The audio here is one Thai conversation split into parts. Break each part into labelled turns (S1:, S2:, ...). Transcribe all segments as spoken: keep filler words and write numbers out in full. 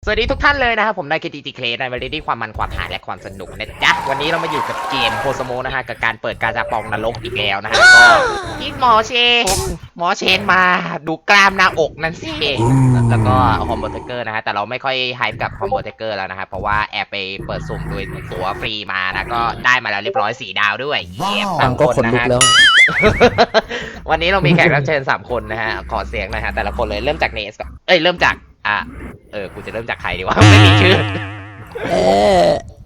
S1: สวัสดีทุกท่านเลยนะครับผมนายเคทีจีเคในวันนี้ความมันความหาและความสนุกนะจ๊ะวันนี้เรามาอยู่กับเกมโคสโมนะฮะกับการเปิดการจะปองนรกอีกแล้วนะฮะก็พี่หมอเชนหมอเชนมาดูกล้ามหน้าอกนั่นสิแล้วก็คอมโบเทเกอร์นะฮะแต่เราไม่ค่อยไฮป์กับคอมโบเทเกอร์แล้วนะครับเพราะว่าแอบไปเปิดสุ่มด้วยตัวฟรีมานะก็ได้มาแล้วเรียบร้อยสี่ดาวด้วยเยี่ยม
S2: ฟังก็ขนลุกแล้ว
S1: วันนี้เรามีแขกรับเชิญสามคนนะฮะขอเสียงนะฮะแต่ละคนเลยเริ่มจากเนสก่อนเอ้ยเริ่มจากอ่ะเออ กูจะเริ่มจากใครดีวะ ไม่มีชื่อ
S2: เอ๊ะ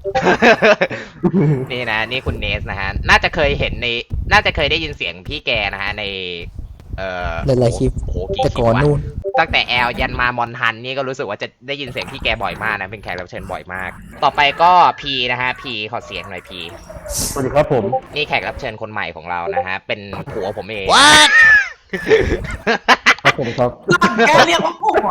S1: นี่นะ นี่คุณเนสนะฮะ น่าจะเคยเห็นใน น่าจะเคยได้ยินเสียงพี่แกนะฮะ ใน เอ่อ
S2: หลายๆคลิป
S1: โอ้โหกี่
S2: แต่
S1: คลิ
S2: ก่
S1: ป
S2: อน
S1: วะ
S2: นู่น
S1: ตั้งแต่แอลยันมามอนฮันนี่ก็รู้สึกว่าจะได้ยินเสียงพี่แกบ่อยมากนะ เป็นแขกรับเชิญบ่อยมาก ต่อไปก็พีนะฮะ พีขอเสียงหน่อยพี
S3: สวัสดีครับผม
S1: นี่แขกรับเชิญคนใหม่ของเรานะฮะ เป็นผัวผมเอง
S3: ครับผมครับ
S4: แกเรียกว่าผัว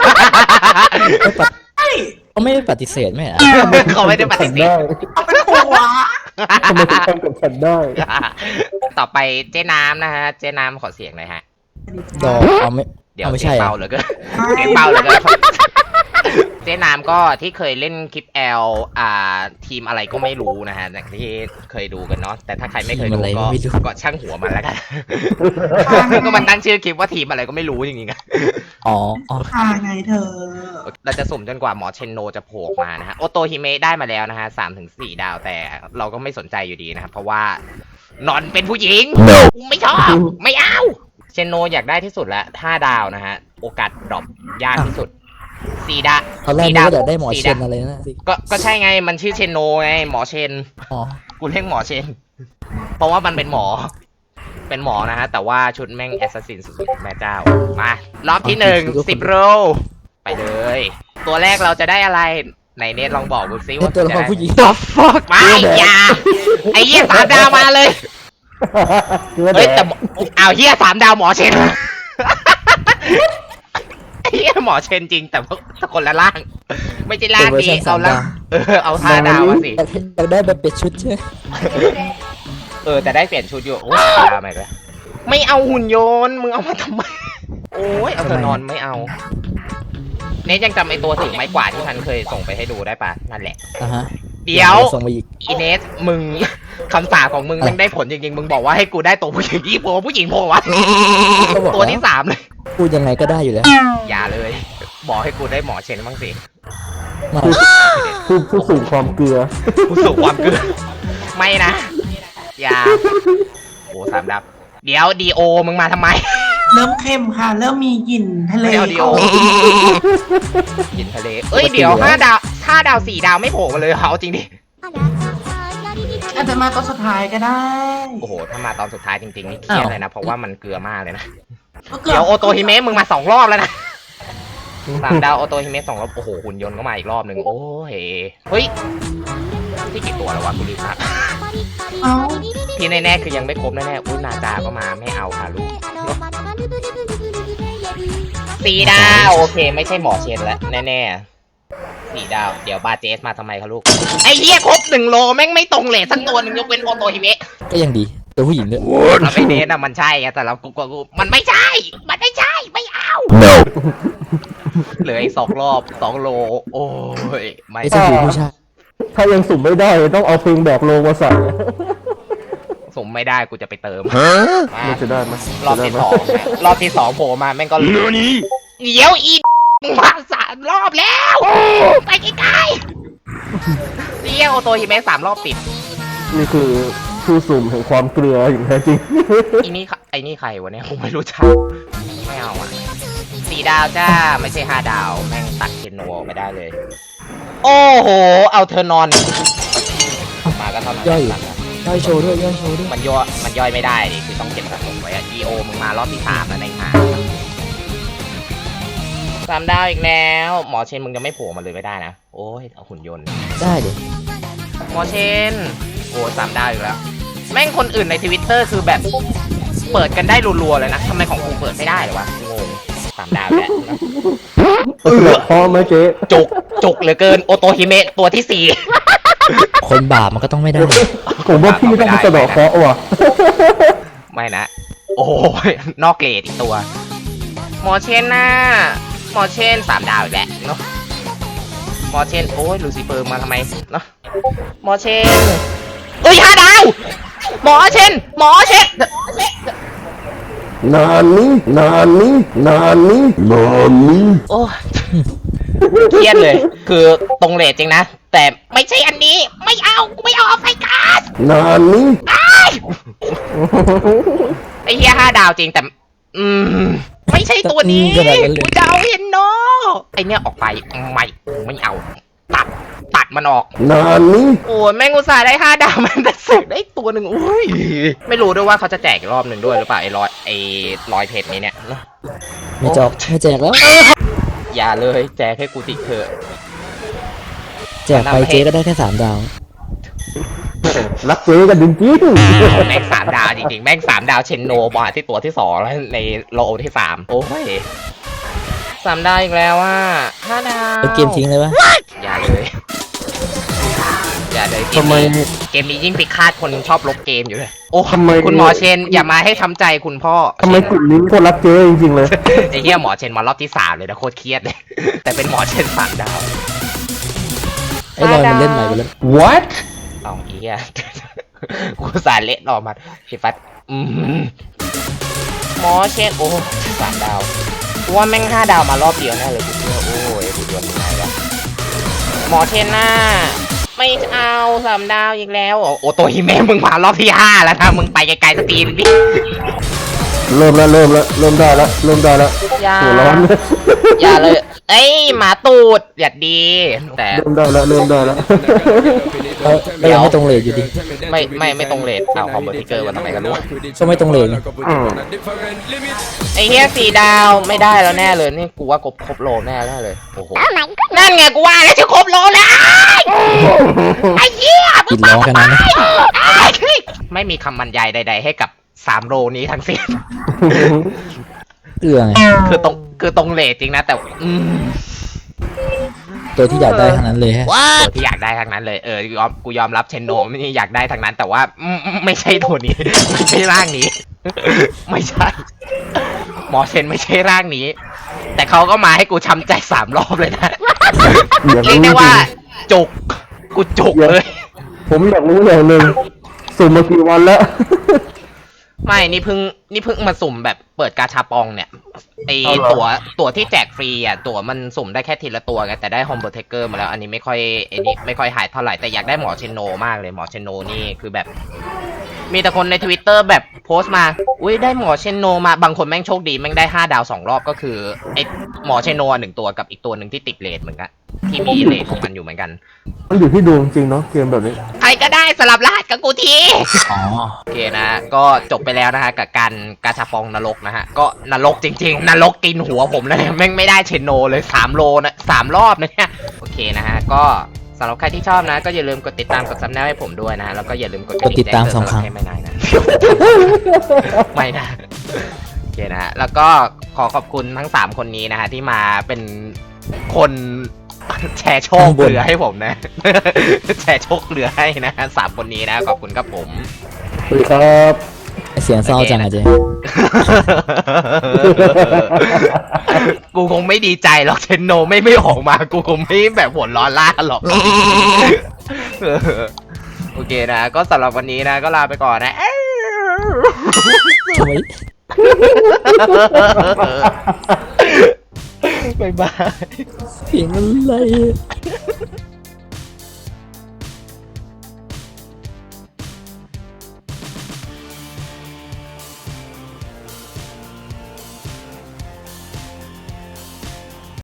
S2: เขาไม่ได้ปฏิเสธไหมอ่ะ
S1: เขาไม่ได้ปฏิเสธ
S4: เอาเป็นผัว
S3: ทำไมถึงทำกับฉันได้
S1: ต่อไปเจ๊น้ำนะฮะ เจ๊น้ำขอเสียงหน่อยฮะ
S2: ดอกเอาไม่
S1: เดี๋ยว
S2: เอาไม่
S1: เสีย
S2: ใช่
S1: ง
S2: อ่ะ
S1: เบาเหลือเกินเสียงเบาเหลือเกินเจ๊น้ำก็ที่เคยเล่นคลิปแอลอ่าทีมอะไรก็ไม่รู้นะฮะอย่างที่เคยดูกันเนาะแต่ถ้าใครไม่เคยดูก็ก็ช่างหัวมันแล้วกันก็มันตั้งชื่อคลิปว่าทีมอะไรก็ไม่รู้จริงๆอะ
S2: อ๋ออ๋อ
S4: พาไงเธอ
S1: เราจะสุ่มจนกว่าหมอเชนโนจะโผล่มานะฮะโอโตฮิเมะได้มาแล้วนะฮะสามถึงสี่ดาวแต่เราก็ไม่สนใจอยู่ดีนะครับเพราะว่านอนเป็นผู้หญิง no. ไม่ชอบไม่เอาเชนโนอยากได้ที่สุดละห้าดาวนะฮะโอกาสดรอปยากที่สุดสี่ดาว
S2: ตอนแรกนึกว่าจะได้หมอเชนอะไรนะสิ
S1: ก็ก็ใช่ไงมันชื่อเชนโนไงหมอเชน
S2: อ๋อ
S1: กูเรียกหมอเชน เพราะว่ามันเป็นหมอ เป็นหมอนะฮะแต่ว่าชุดแม่งแอสซัสซินสุดๆแม่เจ้ามารอบที่หนึ่งสิบโรไปเลย ตัวแรกเราจะได้อะไรไหนเนทลองบอกกูซิ
S2: เป็น
S1: ว่า
S2: ตัวละครผู้หญิง
S1: ตัวฟอกไม่อย่าไอ้เหี้ยสามดาวมาเลย เฮ้ยแต่เอาเหี้ยสามดาวหมอเชน ไอ้เหี้ยหมอเชนจริงแต่ว่าคนละล่าง ไม่ใช่ล่างดีเอาล่างเออเอาห้าดาวมาสิ
S2: อยากได้แบบเป็ดชุดใช่ไหม
S1: เออแต่ได้เปลี่ยนชุดอยู่โอ้ยดาวใหม่ไปไม่เอาหุ่นยนต์มึงเอามาทำไม โอ้ยเอาเธอนอนไม่เอา เนทยังจำไอตัวถือไม้กวาดที่มันเคยส่งไปให้ดูได้ปะนั่นแหละ
S2: อ่ะฮะ
S1: เดี๋ยว
S2: ส่งมาอีก
S1: อีเนสมึง คำสาปของมึงมันได้ผลจริงๆ มึงบอกว่าให้กูได้ตัวผู้หญิงยี่โผล่ผู้หญิงโผล่วะ
S2: ก็บอก
S1: ตัวที่สามเลย
S2: พูดยังไงก็ได้อยู่แล้ว
S1: อย่าเลย บอกให้กูได้หมอเชนบ้างสิ
S2: มา
S3: ผู้ผู้สูงความเกลือ
S1: กูสูงความเกินไม่นะ อย่าโอ้สามดับ เดี๋ยวดีโอมึงมาทำไม
S4: เริ่มเข้มค่ะ เริ่มมีกลิ่นทะเล
S1: ไม่เอาดีโอกินทะเล เอ้ยเดี๋ยวห้าดาวห้าดาวสี่ดาวไม่โผล่มาเลยเอาจริงดิ
S4: อาจจะมาตอนสุดท้ายก็ได้
S1: โอ้โห ถ้ามาตอนสุดท้ายจริงๆนี่เครียดเลยนะ เพราะว่ามันเกลือมากเลยนะ
S4: ก็เกือ
S1: เดี๋ย
S4: บ
S1: วโอโตฮิเมะมึงมาสองรอบแล้วนะสามดาวโอโตฮิเมะสองรอบ โอ้โห หุ่นยนต์ก็มาอีกรอบหนึ่งโอ้ยเฮ้ย ที่กี่ตัวแล้ววะกูลืมละ
S4: เอ้า
S1: ที่แน่ๆคือยังไม่ครบแน่ๆอุ้ยนาจาก็มาไม่เอาค่ะลูกสี่ดาวโอเค ไม่ใช่หมอเชนแล้วแน่ๆสี่ดาว เดี๋ยวบาเจสมาทำไมคะลูก ไอ้เหี้ยครบหนึ่งโลแม่งไม่ตรงเลทสักตัวหนึ่งยกเว้นโอโตฮิเมะ
S2: ก็ยังดีตัวผู้หญิงด้วย
S1: เราไม่เน้นอะมันใช่ไงแต่เรากูกูกูมันไม่ใช่ มันไม่ใช่ไม่เอา
S2: no
S1: เหลืออีกสองรอบสองโล โอ้ยไม่
S2: ไอ้สบู่ผู้ชาย
S3: ถ้ายังสุ่มไม่ได้ต้องเอาเพลงแบกโลมาใส่
S1: สมไม่ได้กูจะไปเติม
S3: มันจะได้ไหม
S1: รอบที่สองนะรอบที่สองโผล่มาแม่งก็เดี๋ยวอีมึงมาสามรอบแล้วไปไกลๆเรียกโอโตฮิเมะสามรอบติด
S3: นี่คือผู้สุ่มแห่งความเกลืออย่างแท้จริง
S1: อีนี่ไอ้นี่ใครวะเนี่ยผมไม่รู้จักไม่เอาอ่ะสี่ดาวจ้าไม่ใช่ห้าดาวแม่งตัดเคนโนออกไปได้เลย โอ้โหเอาเธอนอนมาก็เท่านั้น
S2: ย่อยย่อยโชว์ด้วยย่อยโชว์ด้วย
S1: มันย่อยมันย่อยไม่ได้ดิคือต้องเก็บสะสมไว้อะ ดี โอ มึงมารอบที่สามแล้วในหาสามดาวอีกแล้ว หมอเชนมึงจะไม่โผล่มาเลยไม่ได้นะ โอ้ยเอาหุ่นยนต์
S2: ได้เดี๋ยว
S1: หมอเชน โอ้สามดาวอีกแล้ว แม่งคนอื่นในทวิตเตอร์คือแบบเปิดกันได้รัวๆเลยนะทำไมของกูเปิดไม่ได้เลยวะงงสามดาวแล้ว
S3: เออพอไหมเจ๊
S1: จุกจุกเหลือเกินโอโตฮิเมะตัวที่สี่
S2: คนบาปมันก็ต้องไม่ได้
S3: ผมว่าพี่ต้องไปสะเดอกเคราะห์ว่ะ
S1: ไม่นะ โอ้ยนอกเกรดอีกตัว หมอเชนน่ะหมอเชนสามดาวอีกแล้วเนาะหมอเชนโอ้ยลูซิเฟอร์มาทำไมเนาะหมอเชนเอ้ยห้าดาวหมอเชนหมอเชน
S3: นานนี้นานนี้นานนี้นานนี้
S1: โอ้ยเครียดเลย คือตรงเลทจริงนะ แต่ไม่ใช่อันนี้ไม่เอากูไม่เอาเอาไฟก๊าซ
S3: นานนี้
S1: ไอ้เฮียห้าดาวจริงแต่ อืมไม่ใช่ตัวนี้
S2: อืมขนาดนั้นเลย
S1: กูจะเอาเห็นโนไอเนี้ยออกไปไม่ไม่เอา ตัดตัดมันออก
S3: นานนี้
S1: โอ้ยแม่งอุตส่าห์ได้ห้าดาวมันแต่เสกได้ตัวหนึ่งอุ้ยไม่รู้ด้วยว่าเขาจะแจกอีกรอบหนึ่งด้วยหรือเปล่าไอ้ร้อยไอ้ร้อยเพจนี้เนี่ย
S2: ไม่จอกไม่แจกแล้ว
S1: อย่าเลยแจกให้กูติเถอะ
S2: แจกไปเจ๊ก็ได้แค่สามดาว
S3: รักเจ๊กันจริง
S1: แม่งสามดาวจริงๆแม่งสามดาวเชนโนมาที่ตัวที่สองแล้วในโลที่สามโอ้ยสามดาวอีกแล้วว่าห้าดาว
S2: แล้วเกมทิ้งเลยวะ
S1: อย่าเลยอย่าเลยเก
S3: ๆทำ
S1: ม
S3: ไม
S1: นี้เกมนี้ยิ่งไปคาดคนชอบลบเกมอยู่เลยโอ้
S3: ทำไม
S1: คุณหมอเชนอย่ามาให้ช้ำใจคุณพ่อ
S3: ทำไมกลุ่มนี้โคตรรักเจ๊จริงๆเลย
S1: ไอ้เหี้ยหมอเชนมารอบที่สามเลยนะโคตรเครียดเลย แต่เป็นหมอเชนสามดาว
S2: ไอ้ลอยมันเล่นใหม่ไปแล้ว
S3: what
S1: เอาไอ้เหี้ย กูสารเละออกมาพี่ฟัดอืมหมอเชนโอ้สามดาวกูว่าแม่งห้าดาวมารอบเดียวแน่เลยกูเชื่อโอ้ยกูโดนยังไงวะหมอเชนน่าไม่เอาสามดาวอีกแล้วโอ้ตัวฮิเมะมึงมารอบที่ห้าแล้วนะมึงไปไกลๆสตรีมดิ
S3: เริ่มแล้วเริ่มแล้วเริ่มได้แล้วเริ่มได้แล้ว
S1: อย่า
S3: หัวร้อนเลย
S1: อย่าเลยเอ้ยหมาตูดอย่าดี แต่
S3: เริ่มได้แล้วเริ่มได้แล้ว
S2: เออก็ยังไม่ตรงเลทอยู่ดี
S1: ไม่ไม่ไม่ตรงเลทเอาคอมเบอร์ทิกเกอร์วันทำไมกันรู้
S2: ก็ไม่ตรงเลทไง
S3: อืม
S1: ไอ้เฮียสี่ดาวไม่ได้แล้วแน่เลยนี่กูว่าครบครบโลแน่แน่เลยโอ้โหนั่นไงกูว่าแล้วจะครบโลแล้วไอ้เหี้ย
S2: กินร้องกันนั้นนะ
S1: ไม่มีคำบรรยายใด ๆ ให้กับสามโลนี้ทั้งสิ้น
S2: เกลือไง
S1: คือตรงคือตรงเลทจริงนะ แต่อืม
S2: ตัวที่อยากได้ทั้งนั้นเลยฮะ
S1: ตัวที่อยากได้ทั้งนั้นเลยเออยอมกูยอมรับเชนโนนี่อยากได้ทั้งนั้น แต่ว่าอืมไม่ใช่ตัวนี้ ไม่ใช่ร่างนี้ ไม่ใช่ หมอเชนไม่ใช่ร่างนี้ แต่เขาก็มาให้กูช้ำใจสามรอบเลยนะ
S3: อยาก
S1: เรียก
S3: รู้จ
S1: ได้
S3: ริ
S1: ว่าง จุกกูจุกเลย
S3: ๆผมอยากรู้อย่างหนึ่งสุ่มมากี่วันแล้ว
S1: ไม่นี่เพิ่งนี่เพิ่งมาสุ่มแบบเปิดกาชาปองเนี่ยไอ
S3: เอาเหรอ
S1: ตั๋วตั๋วที่แจกฟรีอ่ะตั๋วมันสุ่มได้แค่ทีละตัวไงแต่ได้โฮมโปรเทคเกอร์มาแล้วอันนี้ไม่ค่อยไอ้นี่ไม่ค่อยหายเท่าไหร่แต่อยากได้หมอเชนโนมากเลยหมอเชนโนนี่คือแบบ มีแต่คนในทวิตเตอร์แบบโพสต์มาอุ้ยได้หมอเชนโนมาบางคนแม่งโชคดีแม่งได้ห้าดาวสองรอบก็คือไอหมอเชนโนหนึ่งตัวกับอีกตัวหนึ่งที่ติดเลทเหมือนกันที่มีเลทของมันอยู่เหมือนกัน
S3: มันอยู่ที่ดวงจริงเนาะเกมแบบนี้
S1: ใครก็ได้สลับรหัสกับกูที
S2: อ๋อ
S1: โอเคนะก็จบไปแล้วนะฮะกับการกาชาปองนรกนะฮะก็นรกจริงๆนรกกินหัวผมเลยแม่งไม่ได้เชนโนเลยสามโลนะสามรอบนะเนี่ยโอเคนะฮะก็สำหรับใครที่ชอบนะก็อย่าลืมกดติดตามกดซับแนลให้ผมด้วยนะฮะแล้วก็อย่าลืมกดกระ
S2: กดติดตามสองครั้ง
S1: แจ้เตืนสำหบให้ไม่นายนะ ไม่นะโอเคนะฮะแล้วก็ขอขอบคุณทั้งสามคนนี้นะฮะที่มาเป็นคนแชร์โชคเหลือให้ผมนะ แชร์โชคเหลือให้นะฮะสามคนนี้นะขอบคุณครับผม
S3: สวัสดีครับ
S2: เสียงเศร้าจังอะเจ๊
S1: กูคงไม่ดีใจหรอกเชนโนไม่ไม่ออกมา กูคงไม่แบบหัวร้อนล่าหรอก โอเคนะ ก็สำหรับวันนี้นะ ก็ลาไปก่อนนะ
S2: ทำไม
S1: บ๊ายบาย
S2: เสียงอะไร